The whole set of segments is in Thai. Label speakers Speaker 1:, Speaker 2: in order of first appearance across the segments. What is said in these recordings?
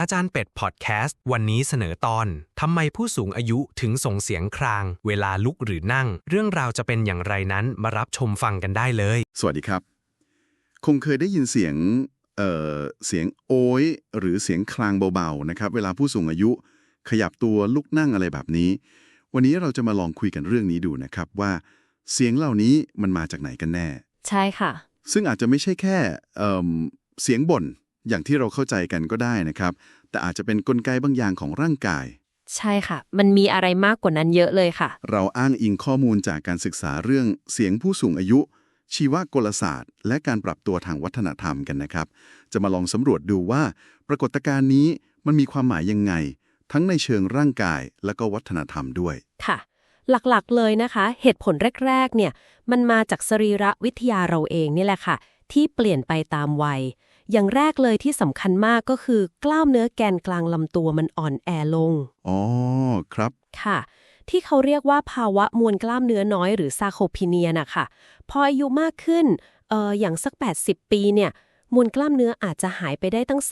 Speaker 1: จารย์เป็ดพอดแคสต์วันนี้เสนอตอนทำไมผู้สูงอายุถึงส่งเสียงครางเวลาลุกหรือนั่งเรื่องราวจะเป็นอย่างไรนั้นมารับชมฟังกันได้เลย
Speaker 2: สวัสดีครับคงเคยได้ยินเสียงเสียงโอยหรือเสียงคลางเบาๆนะครับเวลาผู้สูงอายุขยับตัวลุกนั่งอะไรแบบนี้วันนี้เราจะมาลองคุยกันเรื่องนี้ดูนะครับว่าเสียงเหล่านี้มันมาจากไหนกันแน่
Speaker 3: ใช่ค่ะ
Speaker 2: ซึ่งอาจจะไม่ใช่แค่เสียงบ่นอย่างที่เราเข้าใจกันก็ได้นะครับแต่อาจจะเป็นกลไกบางอย่างของร่างกาย
Speaker 3: ใช่ค่ะมันมีอะไรมากกว่านั้นเยอะเลยค่ะ
Speaker 2: เราอ้างอิงข้อมูลจากการศึกษาเรื่องเสียงผู้สูงอายุชีวกลศาสตร์และการปรับตัวทางวัฒนธรรมกันนะครับจะมาลองสำรวจดูว่าปรากฏการณ์นี้มันมีความหมายยังไงทั้งในเชิงร่างกายและก็วัฒนธรรมด้วย
Speaker 3: ค่ะหลักๆเลยนะคะเหตุผลแรกๆเนี่ยมันมาจากสรีรวิทยาเราเองนี่แหละค่ะที่เปลี่ยนไปตามวัยอย่างแรกเลยที่สำคัญมากก็คือกล้ามเนื้อแกนกลางลำตัวมันอ่อนแอลง
Speaker 2: อ๋อครับ
Speaker 3: ค่ะที่เขาเรียกว่าภาวะมวลกล้ามเนื้อน้อยหรือซาร์โคพีเนียนะคะพออายุมากขึ้นอย่างสัก80ปีเนี่ยมวลกล้ามเนื้ออาจจะหายไปได้ตั้ง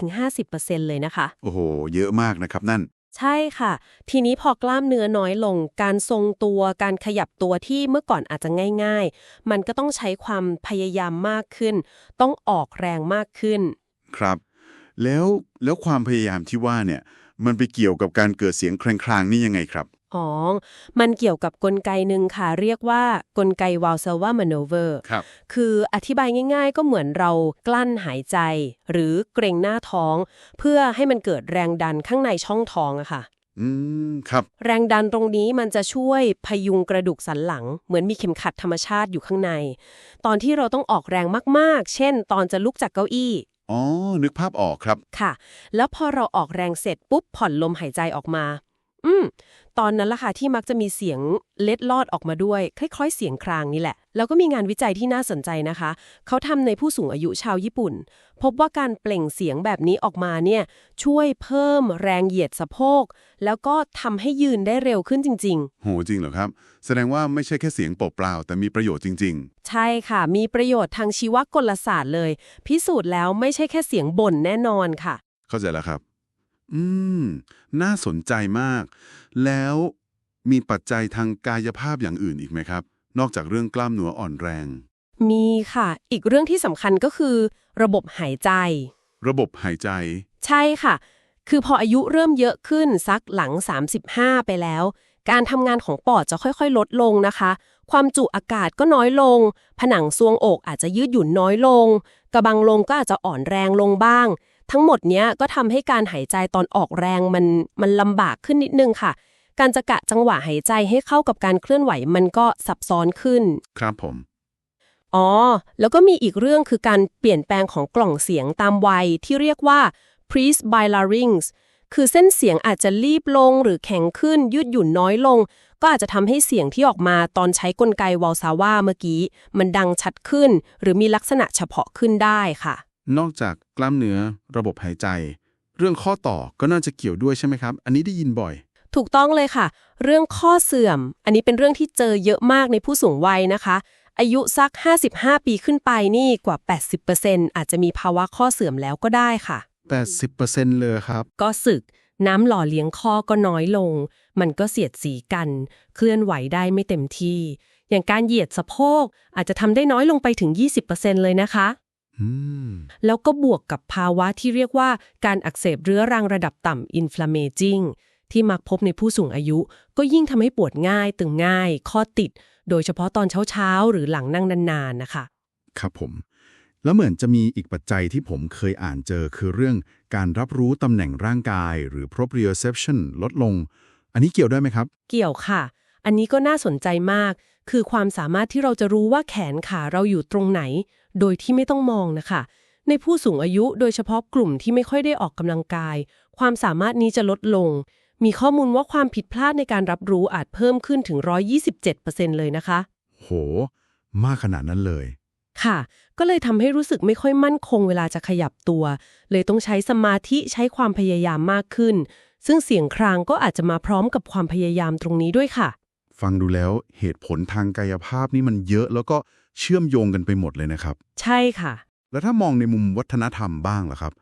Speaker 3: 30-50% เลยนะคะ
Speaker 2: โอ้โหเยอะมากนะครับนั่น
Speaker 3: ใช่ค่ะทีนี้พอกล้ามเนื้อน้อยลงการทรงตัวการขยับตัวที่เมื่อก่อนอาจจะง่ายๆมันก็ต้องใช้ความพยายามมากขึ้นต้องออกแรงมากขึ้น
Speaker 2: ครับแล้วความพยายามที่ว่าเนี่ยมันไปเกี่ยวกับการเกิดเสียงคลางๆนี่ยังไงครับ
Speaker 3: อ๋อมันเกี่ยวกับกลไกหนึ่งค่ะเรียกว่ากลไก Valsalva maneuver
Speaker 2: ครับ
Speaker 3: คืออธิบายง่ายๆก็เหมือนเรากลั้นหายใจหรือเกร็งหน้าท้องเพื่อให้มันเกิดแรงดันข้างในช่องท้องอะค่ะ
Speaker 2: ครับ
Speaker 3: แรงดันตรงนี้มันจะช่วยพยุงกระดูกสันหลังเหมือนมีเข็มขัดธรรมชาติอยู่ข้างในตอนที่เราต้องออกแรงมากๆเช่นตอนจะลุกจากเก้าอี้
Speaker 2: อ๋อนึกภาพออกครับ
Speaker 3: ค่ะแล้วพอเราออกแรงเสร็จปุ๊บผ่อนลมหายใจออกมาตอนนั้นล่ะค่ะที่มักจะมีเสียงเล็ดลอดออกมาด้วยคล้ายๆเสียงครางนี่แหละแล้วก็มีงานวิจัยที่น่าสนใจนะคะเขาทำในผู้สูงอายุชาวญี่ปุ่นพบว่าการเปล่งเสียงแบบนี้ออกมาเนี่ยช่วยเพิ่มแรงเหยียดสะโพกแล้วก็ทำให้ยืนได้เร็วขึ้นจริง
Speaker 2: ๆโหจริงเหรอครับแสดงว่าไม่ใช่แค่เสียงเปล่าๆแต่มีประโยชน์จริง
Speaker 3: ๆใช่ค่ะมีประโยชน์ทางชีวกลศาสตร์เลยพิสูจน์แล้วไม่ใช่แค่เสียงบ่นแน่นอนค่ะ
Speaker 2: เข้าใจแล้วครับน่าสนใจมากแล้วมีปัจจัยทางกายภาพอย่างอื่นอีกไหมครับนอกจากเรื่องกล้ามเนื้ออ่อนแรง
Speaker 3: มีค่ะอีกเรื่องที่สำคัญก็คือระบบหายใจ
Speaker 2: ระบบหายใจ
Speaker 3: ใช่ค่ะคือพออายุเริ่มเยอะขึ้นสักหลัง35ไปแล้วการทำงานของปอดจะค่อยๆลดลงนะคะความจุอากาศก็น้อยลงผนังซวงอกอาจจะยืดหยุ่นน้อยลงกระบังลมก็อาจจะอ่อนแรงลงบ้างทั้งหมดเนี้ยก็ทำให้การหายใจตอนออกแรงมันลำบากขึ้นนิดนึงค่ะการจะกะจังหวะหายใจให้เข้ากับการเคลื่อนไหวมันก็ซับซ้อนขึ้น
Speaker 2: ครับผม
Speaker 3: แล้วก็มีอีกเรื่องคือการเปลี่ยนแปลงของกล่องเสียงตามวัยที่เรียกว่า presbylarynx คือเส้นเสียงอาจจะรีบลงหรือแข็งขึ้นยืดหยุ่นน้อยลงก็อาจจะทำให้เสียงที่ออกมาตอนใช้กลไกวอลซาว่าเมื่อกี้มันดังชัดขึ้นหรือมีลักษณะเฉพาะขึ้นได้ค่ะ
Speaker 2: นอกจากกล้ามเนื้อระบบหายใจเรื่องข้อต่อก็น่าจะเกี่ยวด้วยใช่ไหมครับอันนี้ได้ยินบ่อย
Speaker 3: ถูกต้องเลยค่ะเรื่องข้อเสื่อมอันนี้เป็นเรื่องที่เจอเยอะมากในผู้สูงวัยนะคะอายุสัก55ปีขึ้นไปนี่กว่า 80% อาจจะมีภาวะข้อเสื่อมแล้วก็ได้ค่ะ
Speaker 2: 80% เลยครับ
Speaker 3: ก็สึกน้ำหล่อเลี้ยงข้อก็น้อยลงมันก็เสียดสีกันเคลื่อนไหวได้ไม่เต็มที่อย่างการเหยียดสะโพกอาจจะทำได้น้อยลงไปถึง 20% เลยนะคะแล้วก็บวกกับภาวะที่เรียกว่าการอักเสบเรื้อรังระดับต่ำ inflammaging ที่มักพบในผู้สูงอายุก็ยิ่งทำให้ปวดง่ายตึงง่ายข้อติดโดยเฉพาะตอนเช้าๆหรือหลังนั่งนานๆนะคะ
Speaker 2: ครับผมแล้วเหมือนจะมีอีกปัจจัยที่ผมเคยอ่านเจอคือเรื่องการรับรู้ตำแหน่งร่างกายหรือ proprioception ลดลงอันนี้เกี่ยวด้วยไหมครับ
Speaker 3: เกี่ยวค่ะอันนี้ก็น่าสนใจมากคือความสามารถที่เราจะรู้ว่าแขนขาเราอยู่ตรงไหนโดยที่ไม่ต้องมองนะคะในผู้สูงอายุโดยเฉพาะกลุ่มที่ไม่ค่อยได้ออกกำลังกายความสามารถนี้จะลดลงมีข้อมูลว่าความผิดพลาดในการรับรู้อาจเพิ่มขึ้นถึง 127% เลยนะคะ
Speaker 2: โหมากขนาดนั้นเลย
Speaker 3: ค่ะก็เลยทำให้รู้สึกไม่ค่อยมั่นคงเวลาจะขยับตัวเลยต้องใช้สมาธิใช้ความพยายามมากขึ้นซึ่งเสียงครางก็อาจจะมาพร้อมกับความพยายามตรงนี้ด้วยค่ะ
Speaker 2: ฟังดูแล้วเหตุผลทางกายภาพนี่มันเยอะแล้วก็เชื่อมโยงกันไปหมดเลยนะครับ
Speaker 3: ใช่ค่ะ
Speaker 2: แล้วถ้ามองในมุมวัฒนธรรมบ้างล่ะครับ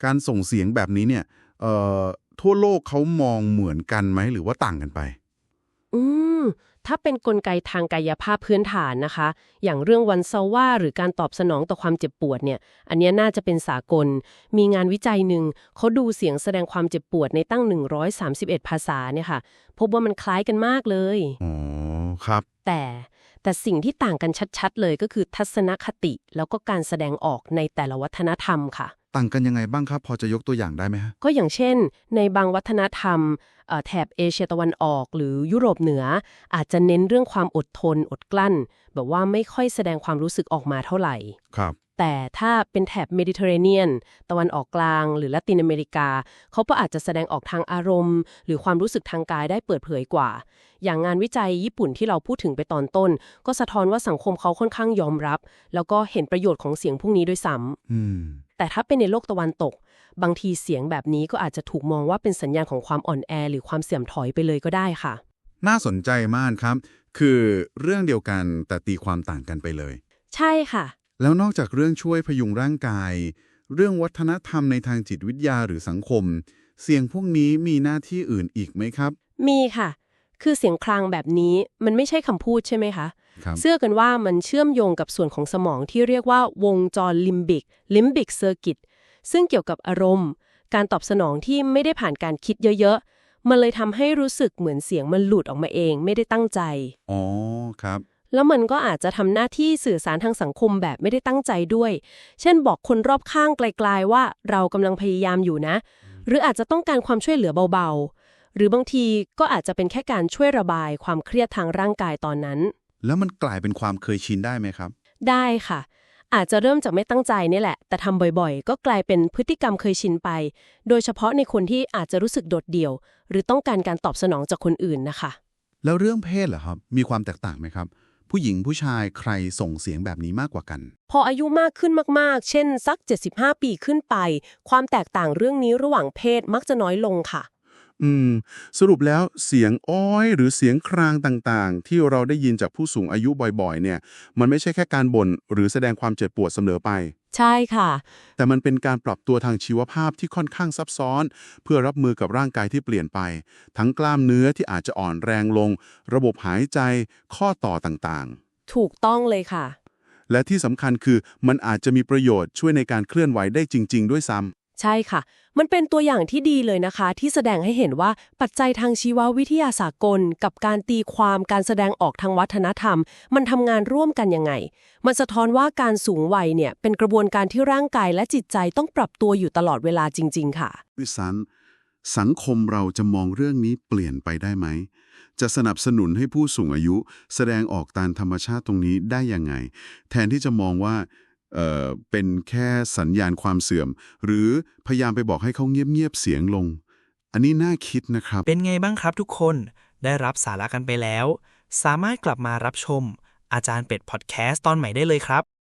Speaker 2: การส่งเสียงแบบนี้เนี่ยทั่วโลกเขามองเหมือนกันไหมหรือว่าต่างกันไป
Speaker 3: อืมถ้าเป็นกลไกทางกายภาพพื้นฐานนะคะ อย่างเรื่องวันซาว่าหรือการตอบสนองต่อความเจ็บปวดเนี่ย อันเนี้ยน่าจะเป็นสากล มีงานวิจัยหนึ่งเขาดูเสียงแสดงความเจ็บปวดในตั้ง131ภาษาเนี่ยค่ะ พบว่ามันคล้ายกันมากเลย
Speaker 2: อ๋อครับ
Speaker 3: แต่สิ่งที่ต่างกันชัดๆเลยก็คือทัศนคติแล้วก็การแสดงออกในแต่ละวัฒนธรรมค่ะ
Speaker 2: ต่างกันยังไงบ้างครับพอจะยกตัวอย่างได้ไหมฮะ
Speaker 3: ก็อย่างเช่นในบางวัฒนธรรมแถบเอเชียตะวันออกหรือยุโรปเหนืออาจจะเน้นเรื่องความอดทนอดกลั้นแบบว่าไม่ค่อยแสดงความรู้สึกออกมาเท่าไหร่
Speaker 2: ครับ
Speaker 3: แต่ถ้าเป็นแถบเมดิเตอร์เรเนียนตะวันออกกลางหรือละตินอเมริกาเขาก็อาจจะแสดงออกทางอารมณ์หรือความรู้สึกทางกายได้เปิดเผยกว่าอย่างงานวิจัยญี่ปุ่นที่เราพูดถึงไปตอนต้นก็สะท้อนว่าสังคมเขาค่อนข้างยอมรับแล้วก็เห็นประโยชน์ของเสียงพวกนี้ด้วยซ้ำแต่ถ้าเป็นในโลกตะวันตกบางทีเสียงแบบนี้ก็อาจจะถูกมองว่าเป็นสัญญาณของความอ่อนแอหรือความเสื่อมถอยไปเลยก็ได้ค่ะ
Speaker 2: น่าสนใจมากครับคือเรื่องเดียวกันแต่ตีความต่างกันไปเลย
Speaker 3: ใช่ค่ะ
Speaker 2: แล้วนอกจากเรื่องช่วยพยุงร่างกายเรื่องวัฒนธรรมในทางจิตวิทยาหรือสังคมเสียงพวกนี้มีหน้าที่อื่นอีกไหมครับ
Speaker 3: มีค่ะคือเสียงคลางแบบนี้มันไม่ใช่คำพูดใช่ไหมคะ
Speaker 2: ครับ
Speaker 3: เชื่อกันว่ามันเชื่อมโยงกับส่วนของสมองที่เรียกว่าวงจรลิมบิกเซอร์กิตซึ่งเกี่ยวกับอารมณ์การตอบสนองที่ไม่ได้ผ่านการคิดเยอะๆมันเลยทำให้รู้สึกเหมือนเสียงมันหลุดออกมาเองไม่ได้ตั้งใจ
Speaker 2: อ๋อครับ
Speaker 3: แล้วมันก็อาจจะทำหน้าที่สื่อสารทางสังคมแบบไม่ได้ตั้งใจด้วย เช่นบอกคนรอบข้างไกลๆว่าเรากำลังพยายามอยู่นะ หรืออาจจะต้องการความช่วยเหลือเบาๆ หรือบางทีก็อาจจะเป็นแค่การช่วยระบายความเครียดทางร่างกายตอนนั้น
Speaker 2: แล้วมันกลายเป็นความเคยชินได้ไหมครับ
Speaker 3: ได้ค่ะ อาจจะเริ่มจากไม่ตั้งใจนี่แหละ แต่ทำบ่อยๆ ก็กลายเป็นพฤติกรรมเคยชินไป โดยเฉพาะในคนที่อาจจะรู้สึกโดดเดี่ยว หรือต้องการการตอบสนองจากคนอื่นนะคะ
Speaker 2: แล้วเรื่องเพศเหรอครับมีความแตกต่างไหมครับผู้หญิงผู้ชายใครส่งเสียงแบบนี้มากกว่ากัน
Speaker 3: พออายุมากขึ้นมากๆ เช่นสัก75 ปีขึ้นไปความแตกต่างเรื่องนี้ระหว่างเพศมักจะน้อยลงค่ะ
Speaker 2: สรุปแล้วเสียงอ้อยหรือเสียงครางต่างๆที่เราได้ยินจากผู้สูงอายุบ่อยๆเนี่ยมันไม่ใช่แค่การบ่นหรือแสดงความเจ็บปวดเสมอไป
Speaker 3: ใช่ค่ะ
Speaker 2: แต่มันเป็นการปรับตัวทางชีวภาพที่ค่อนข้างซับซ้อนเพื่อรับมือกับร่างกายที่เปลี่ยนไปทั้งกล้ามเนื้อที่อาจจะอ่อนแรงลงระบบหายใจข้อต่อต่าง
Speaker 3: ๆถูกต้องเลยค่ะ
Speaker 2: และที่สำคัญคือมันอาจจะมีประโยชน์ช่วยในการเคลื่อนไหวได้จริงๆด้วยซ้ำ
Speaker 3: ใช่ค่ะมันเป็นตัวอย่างที่ดีเลยนะคะที่แสดงให้เห็นว่าปัจจัยทางชีววิทยาสากลกับการตีความการแสดงออกทางวัฒนธรรมมันทำงานร่วมกันยังไงมันสะท้อนว่าการสูงวัยเนี่ยเป็นกระบวนการที่ร่างกายและจิตใจต้องปรับตัวอยู่ตลอดเวลาจริงๆค่ะ
Speaker 2: วิสันสังคมเราจะมองเรื่องนี้เปลี่ยนไปได้ไหมจะสนับสนุนให้ผู้สูงอายุแสดงออกตามธรรมชาติตรงนี้ได้ยังไงแทนที่จะมองว่าเป็นแค่สัญญาณความเสื่อมหรือพยายามไปบอกให้เขาเงียบๆเสียงลงอันนี้น่าคิดนะครับ
Speaker 4: เป็นไงบ้างครับทุกคนได้รับสาระกันไปแล้วสามารถกลับมารับชมอาจารย์เป็ดพอดแคสต์ตอนใหม่ได้เลยครับ